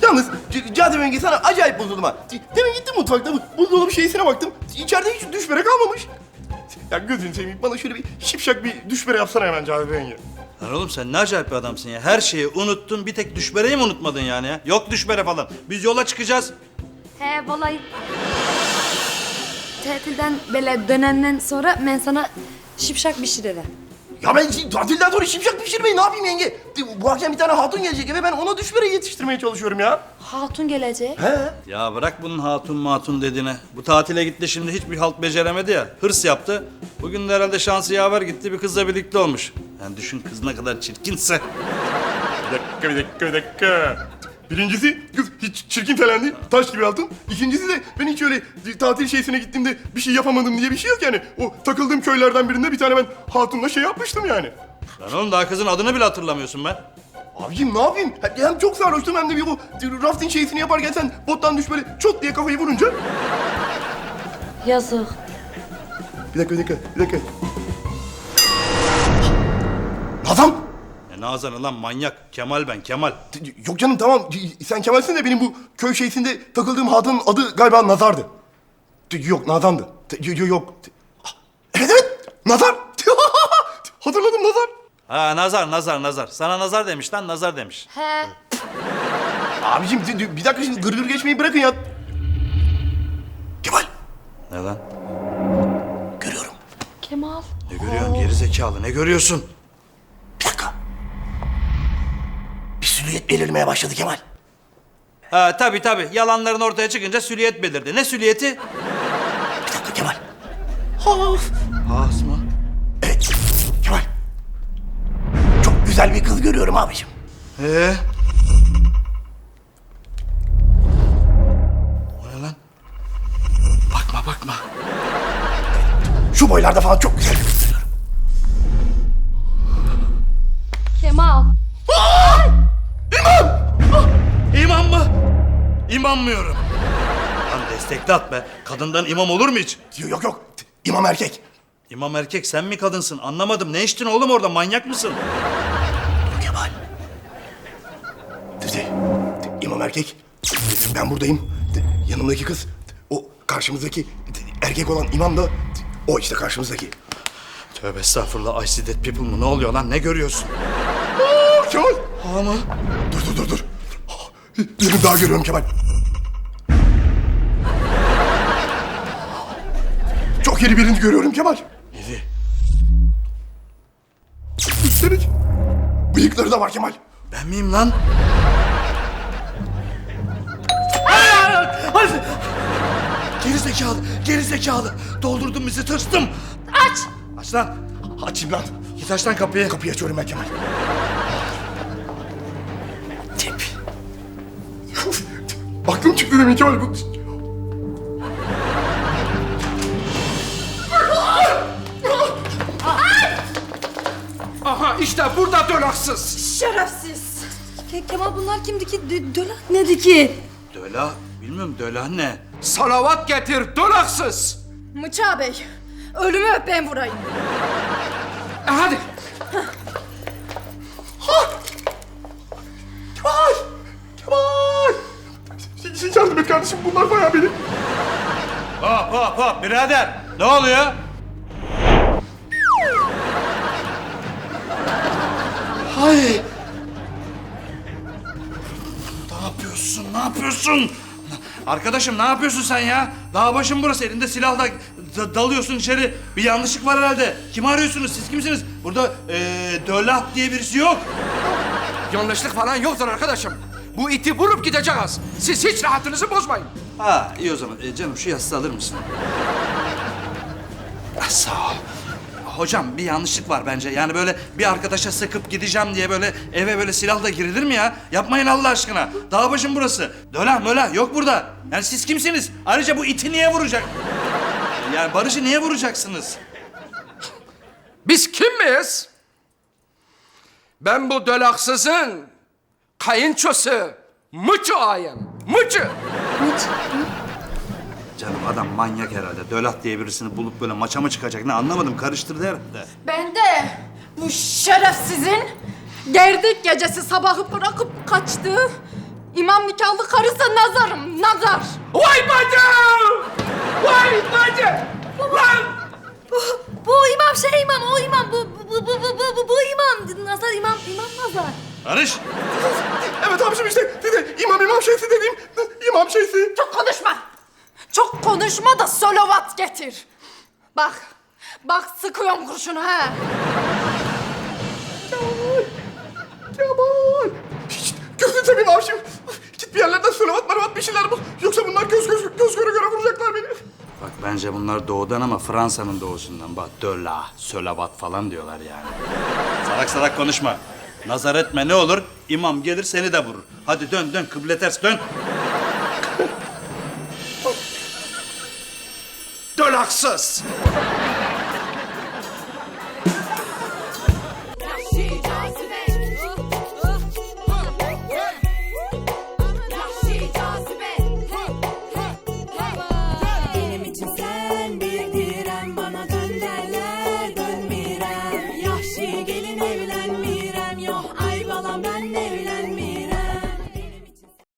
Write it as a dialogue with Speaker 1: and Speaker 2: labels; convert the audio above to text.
Speaker 1: Yalnız Cadı Benge sana acayip bozuldum ha. Demin gittim mutfakta buzdolabı şeysine baktım. İçeride hiç düşbere kalmamış. Ya gözünü seveyim bana şöyle bir şipşak bir düşbere yapsana hemen Cadı Benge.
Speaker 2: Lan oğlum sen ne acayip bir adamsın ya. Her şeyi unuttun, bir tek düşbereyi mi unutmadın yani ya? Yok düşbere falan. Biz yola çıkacağız.
Speaker 3: He vallahi. Tatilden böyle dönenden sonra ben sana şipşak pişiririm.
Speaker 1: Ya ben tatilden sonra şipşak pişirmeyi ne yapayım yenge? Bu akşam bir tane hatun gelecek eve ben ona düşbere yetiştirmeye çalışıyorum ya.
Speaker 3: Hatun gelecek.
Speaker 1: He?
Speaker 2: Ya bırak bunun hatun matun dediğine. Bu tatile gitti şimdi hiçbir halt beceremedi ya. Hırs yaptı. Bugün de herhalde şansı yaver gitti, bir kızla birlikte olmuş. Yani düşün kız ne kadar çirkinse.
Speaker 1: Bir dakika. Birincisi kız hiç çirkin falan değil, taş gibi altın. İkincisi de ben hiç öyle tatil şeysine gittiğimde bir şey yapamadım diye bir şey yok yani. O takıldığım köylerden birinde bir tane ben hatunla şey yapmıştım yani.
Speaker 2: Lan oğlum daha kızın adını bile hatırlamıyorsun ben.
Speaker 1: Abicim ne yapayım? Hem çok sarhoştum hem de bir bu rafting şeysini yaparken sen bottan düş böyle çot diye kafayı vurunca.
Speaker 3: Yazık.
Speaker 1: Bir dakika. Nazan!
Speaker 2: Nazan'ı lan manyak. Kemal ben Kemal.
Speaker 1: Yok canım tamam sen Kemal'sin de benim bu köy şeysinde takıldığım hatunun adı galiba Nazar'dı. Yok Nazan'dı. Yok. Evet Nazar. Hatırladım Nazar.
Speaker 2: Ha nazar. Sana nazar demiş lan, nazar demiş.
Speaker 3: He.
Speaker 1: Abicim bir dakika şimdi gırgır geçmeyi bırakın ya. Kemal.
Speaker 2: Ne lan?
Speaker 1: Görüyorum.
Speaker 3: Kemal.
Speaker 2: Ne görüyorsun geri zekalı, ne görüyorsun?
Speaker 1: Bir dakika. Bir silüet belirmeye başladı Kemal.
Speaker 2: Ha tabii. Yalanların ortaya çıkınca süliyet belirdi. Ne süliyeti?
Speaker 1: Bir dakika Kemal.
Speaker 2: Has mı?
Speaker 1: Evet Kemal. Çok güzel bir kız görüyorum abicim.
Speaker 2: O ne lan? Bakma.
Speaker 1: Şu boylarda falan çok güzel bir kız görüyorum.
Speaker 3: Kemal.
Speaker 2: İmam mı? İmammıyorum. Lan destekli at be. Kadından imam olur mu hiç?
Speaker 1: Yok. İmam erkek.
Speaker 2: İmam erkek, sen mi kadınsın? Anlamadım. Ne içtin oğlum orada? Manyak mısın?
Speaker 1: Dur Kemal. İmam erkek. Ben buradayım. Yanımdaki kız. O karşımızdaki erkek olan imam da o işte karşımızdaki.
Speaker 2: Tövbe estağfurullah. I see dead people mu? Ne oluyor lan? Ne görüyorsun?
Speaker 1: Kemal.
Speaker 2: Ha mı?
Speaker 1: Dur. Birini daha görüyorum Kemal. Çok yeni birini görüyorum Kemal.
Speaker 2: Yedi.
Speaker 1: Üstelik bıyıkları da var Kemal.
Speaker 2: Ben miyim lan? Geri zekalı. Doldurdun bizi, tırstım. Aç lan.
Speaker 1: Açayım lan.
Speaker 2: Git aç lan kapıyı.
Speaker 1: Kapıyı açıyorum ben Kemal. Tip. Aklım çıktı demin Kemal.
Speaker 4: Aha işte burada dolaksız.
Speaker 3: Şerefsiz. Kemal bunlar kimdi ki? Dölak nedir ki?
Speaker 2: Döla. Bilmiyorum döla ne?
Speaker 4: Salavat getir dolaksız.
Speaker 5: Mıça Bey, ölümü öp ben vurayım.
Speaker 4: Hadi.
Speaker 1: Kemal. Yardım et kardeşim bunlar bayağı beni.
Speaker 2: Hop birader. Ne oluyor? Hay. Ne yapıyorsun? Arkadaşım ne yapıyorsun sen ya? Dağ başın burası, elinde silahla dalıyorsun içeri. Bir yanlışlık var herhalde. Kimi arıyorsunuz? Siz kimsiniz? Burada Dölah diye birisi yok.
Speaker 4: Yanlışlık falan yoktur arkadaşım. Bu iti vurup gideceğiz. Siz hiç rahatınızı bozmayın.
Speaker 2: Ha iyi o zaman. Canım şu yastığı alır mısın? Sağ ol. Hocam bir yanlışlık var bence. Yani böyle bir arkadaşa sıkıp gideceğim diye böyle eve böyle silahla girilir mi ya? Yapmayın Allah aşkına. Dağ başım burası. Dölah mölah yok burada. Yani siz kimsiniz? Ayrıca bu iti niye vuracak? Yani Barış'ı niye vuracaksınız?
Speaker 4: Biz kim miyiz? Ben bu dolaksızın kayınçosu Mıçı ağayım. Mıçı.
Speaker 2: Canım adam manyak herhalde. Dölah diye birisini bulup böyle maça mı çıkacak? Ne anlamadım. Karıştırdı herhalde.
Speaker 5: Ben de bu şerefsizin gerdek gecesi sabahı bırakıp kaçtığı İmam nikahlı karısı nazarım, nazar.
Speaker 4: Vay bacım! Vay bacım! Lan!
Speaker 3: Bu imam şey imam, o imam, bu imam. Nazar imam, nazar.
Speaker 2: Barış!
Speaker 1: Evet abiciğim işte dedi imam şeysi dediğim imam şeysi.
Speaker 5: Çok konuşma. Çok konuşma da solavat getir. Bak sıkıyorum kurşunu ha.
Speaker 1: Kemal. Hiç gözünü seveyim abiciğim. Git bir yerlerden sölevat maravat bir şeyler bul. Yoksa bunlar göz göre göre vuracaklar beni.
Speaker 2: Bak bence bunlar doğudan ama Fransa'nın doğusundan. Bak dölla, sölavat falan diyorlar yani. Salak salak konuşma. Nazar etme ne olur, imam gelir seni de vurur. Hadi dön kıble ters dön.
Speaker 4: Dolaksız!